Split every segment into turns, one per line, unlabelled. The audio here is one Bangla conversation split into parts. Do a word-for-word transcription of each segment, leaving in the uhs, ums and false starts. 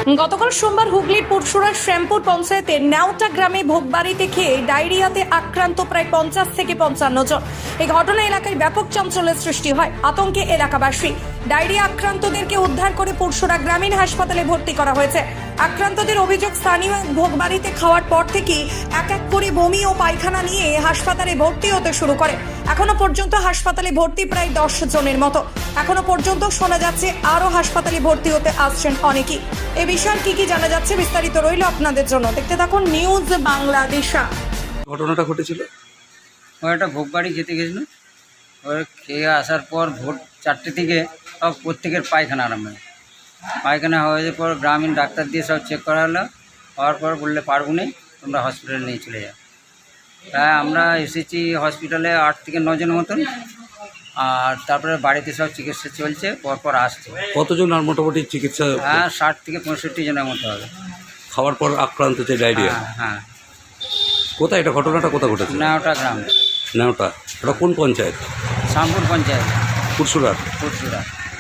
গতকাল সোমবার হুগলির পুরসুরার শ্যামপুর পঞ্চায়েতের নেওটা গ্রামে ভোগবাড়িতে খেয়ে ডায়রিয়াতে আক্রান্ত প্রায় পঞ্চাশ থেকে পঞ্চান্ন জন। এই ঘটনা এলাকায় ব্যাপক চাঞ্চল্যের সৃষ্টি হয়, আতঙ্কে এলাকাবাসী। ডায়রিয়া আক্রান্তদেরকে উদ্ধার করে পুরসুরা গ্রামীণ হাসপাতালে ভর্তি করা হয়েছে। আক্রান্তদের অভিযোগ, স্থানীয় ভোগবাড়িতে খাওয়ার পর থেকেই এক এক করে বমি ও পায়খানা নিয়ে হাসপাতালে ভর্তি হতে শুরু করে। এখনো পর্যন্ত হাসপাতালে ভর্তি প্রায় দশ জনের মতো। এখনো পর্যন্ত শোনা যাচ্ছে আরো হাসপাতালে ভর্তি হতে আসছেন অনেকেই। এ বিষয়ে কি কি জানা যাচ্ছে বিস্তারিত রইল আপনাদের জন্য, দেখতে থাকুন নিউজ বাংলাদেশা।
ঘটনাটা ঘটেছিল,
ও একটা ভোগবাড়ি খেতে গেছিল। ওর খেয়ে আসার পর ভোর চারটে থেকে সব প্রত্যেকের পায়খানা আরম্ভ হয়। পায়খানা হয়ে পর গ্রামীণ ডাক্তার দিয়ে সব চেক করা হলো। হওয়ার পর বললে পারবো না, তোমরা হসপিটালে নিয়ে চলে যাও। তাই আমরা এসেছি হসপিটালে আট থেকে নজনের মতন, আর তারপরে বাড়িতে সব চিকিৎসা চলছে, পরপর আসছে।
কতজন আর মোটামুটি চিকিৎসা?
হ্যাঁ, ষাট থেকে পঁয়ষট্টি জনের মতো হবে।
খাওয়ার পর আক্রান্ত হচ্ছে ডায়রিয়া?
হ্যাঁ হ্যাঁ।
কোথায় এটা ঘটনাটা কোথায় ঘটেছে?
নেওটা গ্রাম।
নেওটা, এটা কোন পঞ্চায়েত?
শ্যামপুর পঞ্চায়েত,
পুরসুরার।
পুরসুরা।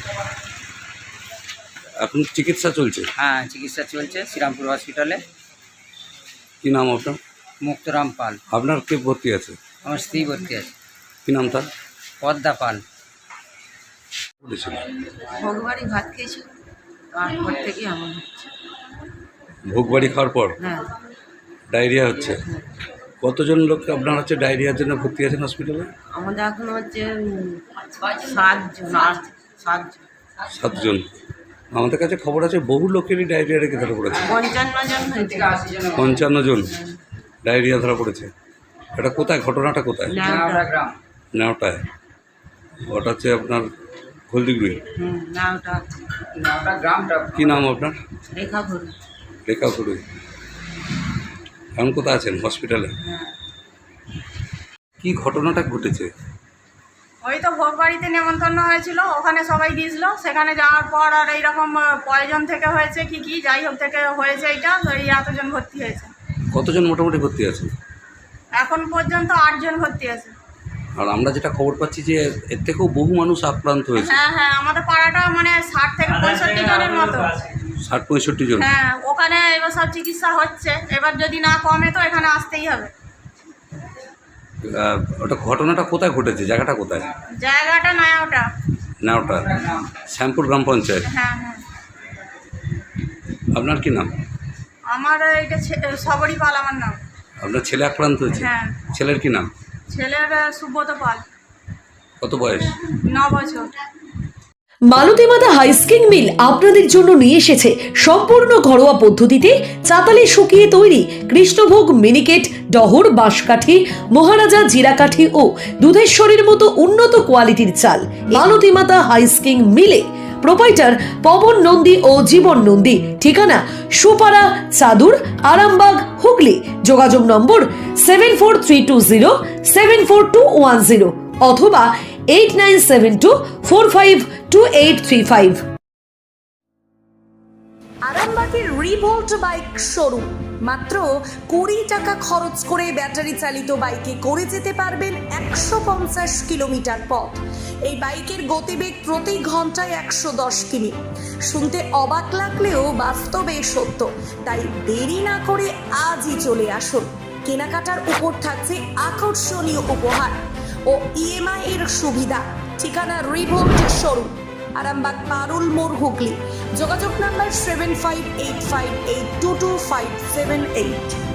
এখন চিকিৎসা চলছে?
হ্যাঁ, চিকিৎসা চলছে শ্রীরামপুর হসপিটালে।
কি নাম আপনার?
মুক্তরাম পাল।
আপনার কে ভর্তি আছে?
আমার স্ত্রী ভর্তি আছে।
কি নাম তার?
পদ্মা পাল।
ঘটেছিল
ভোগবাড়ি ভাত খেয়েছি, তারপর থেকে এমন হচ্ছে।
ভোগবাড়ি খাওয়ার পর
হ্যাঁ
ডায়রিয়া হচ্ছে? কতজন লোক আপনার হচ্ছে ডায়রিয়ার জন্য ভর্তি আছেন হসপিটালে?
আমাদের এখন হচ্ছে উম, সাতজন আট সাতজন
সাতজন। আমাদের কাছে খবর আছে বহু লোকেরই ডায়রিয়া রেখে ধরা পড়েছে।
পঞ্চান্ন জন হয়েছে।
পঞ্চান্ন জন ডায়রিয়া ধরা পড়েছে। এটা কোথায় ঘটনাটা কোথায়?
নেওটা
গ্রাম।
নেওটায়। ওটা হচ্ছে আপনার হলদিগুড়ি।
হুম নেওটা
নেওটা গ্রামটা।
কি নাম আপনার?
রেখা ঘুরি।
রেখা গুড়ি। এখন কোথায় আছেন? হসপিটালে।
হ্যাঁ,
কি ঘটনাটা ঘটেছে?
ওই তো ভোগ বাড়িতে নেমন্তন্ন হয়েছিল, ওখানে সবাই গিয়েছিল। সেখানে যাওয়ার পর আর এইরকম পয়জন থেকে হয়েছে কি কি যাই হোক থেকে হয়েছে, এইটা এই এতজন ভর্তি হয়েছে।
কতজন মোটামুটি ভর্তি আছে?
এখন পর্যন্ত আটজন ভর্তি আছে।
আর আমরা যেটা খবর পাচ্ছি যে এর থেকেও বহু মানুষ আক্রান্ত হয়েছে।
হ্যাঁ হ্যাঁ, আমাদের পাড়াটা মানে ষাট থেকে পঁয়ষট্টি জনের মতো।
ষাট পঁয়ষট্টি জন।
হ্যাঁ, ওখানে এবার সব চিকিৎসা হচ্ছে। এবার যদি না কমে তো এখানে আসতেই হবে।
আহ, ওটা ঘটনাটা কোথায় ঘটেছে? জায়গাটা কোথায়?
জায়গাটা নয় ওটা।
না, ওটা শ্যামপুর গ্রাম পঞ্চায়েত।
হ্যাঁ হ্যাঁ।
আপনার কি নাম?
আমার এইটা সবরই পাল আমার নাম।
আপনার ছেলে আক্রান্ত হয়েছে?
হ্যাঁ।
ছেলের কি নাম?
ছেলের সুব্রত পাল।
কত বয়স?
ন বছর।
মালতীমাতা হাইস্কিং মিল আপনাদের জন্য নিয়ে এসেছে সম্পূর্ণ ঘরোয়া পদ্ধতিতে চাতালে শুকিয়ে তৈরি কৃষ্ণভোগ মিনিকেট, ডহর, বাঁশকাঠি, মহারাজা জিরাকাঠি ও দুধেশ্বরীর মতো উন্নত কোয়ালিটির চাল। মালতীমাতা হাইস্কিং মিলে প্রোপাইটার পবন নন্দী ও জীবন নন্দী। ঠিকানা সুপারা, চাদুর, আরামবাগ, হুগলি। যোগাযোগ number seven four three two zero seven four two one zero অথবা eight nine seven two four five two eight three five. আরামবাগের রিভোল্ট বাইক শোরুম। মাত্র কুড়ি টাকা খরচ করে ব্যাটারি চালিত বাইকে করে যেতে পারবেন একশো পঞ্চাশ কিলোমিটার পথ। এই বাইকের গতিবেগ প্রতি ঘন্টায় একশো দশ কিমি। শুনতে অবাক লাগলেও বাস্তবে সত্য, তাই দেরি না করে আজই চলে আসুন। কেনাকাটার উপর থাকছে আকর্ষণীয় উপহার ও ইএমআই এর সুবিধা। ঠিকানা রিভোল্ট শোরুম, আরামবাগ, পারুল মোড়, হুগলি। যোগাযোগ number seven five eight five eight two two five seven eight.